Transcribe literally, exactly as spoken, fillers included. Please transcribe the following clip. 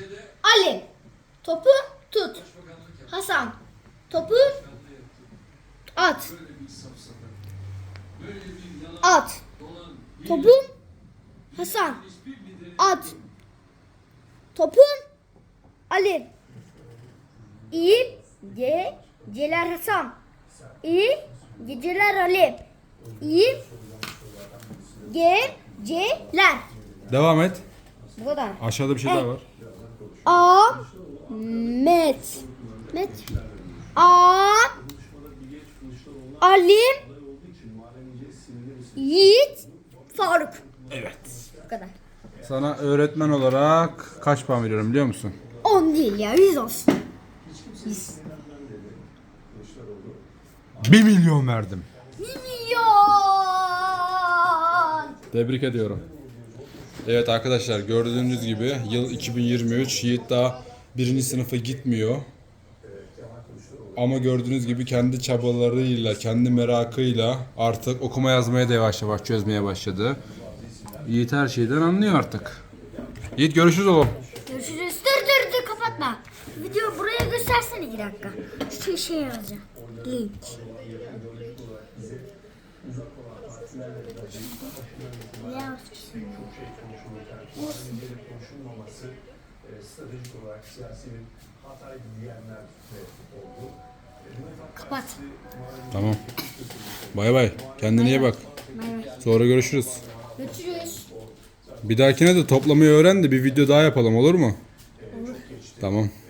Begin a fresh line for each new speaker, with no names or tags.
Ali. Topu tut. Hasan. Topu at. At. Topu Hasan. At. Topu Ali. İyi geceler Hasan. İyi geceler Ali. İyi geceler.
Devam et.
Bu kadar.
Aşağıda bir şey daha var.
Ahmet. Met. A Ali Yiğit Faruk.
Evet.
Bu kadar.
Sana öğretmen olarak kaç puan veriyorum biliyor musun?
on değil ya, yüz olsun. yüz.
bir milyon verdim.
Milyon.
Tebrik ediyorum. Evet arkadaşlar, gördüğünüz gibi yıl iki bin yirmi üç, Yiğit daha birinci sınıfa gitmiyor. Ama gördüğünüz gibi kendi çabalarıyla, kendi merakıyla artık okuma yazmaya da yavaş yavaş çözmeye başladı. Yiğit her şeyden anlıyor artık. Yiğit görüşürüz oğlum.
Görüşürüz. Dur dur dur, kapatma. Video buraya göstersene iki dakika. Şey şey yazacağım. Link. Ne yapıyorsun? Kapat.
Tamam. Bay bay. Kendine iyi bak.
Bay bay.
Sonra görüşürüz.
Görüşürüz.
Bir dahakine de toplamayı öğren de bir video daha yapalım, olur mu?
Olur.
Tamam.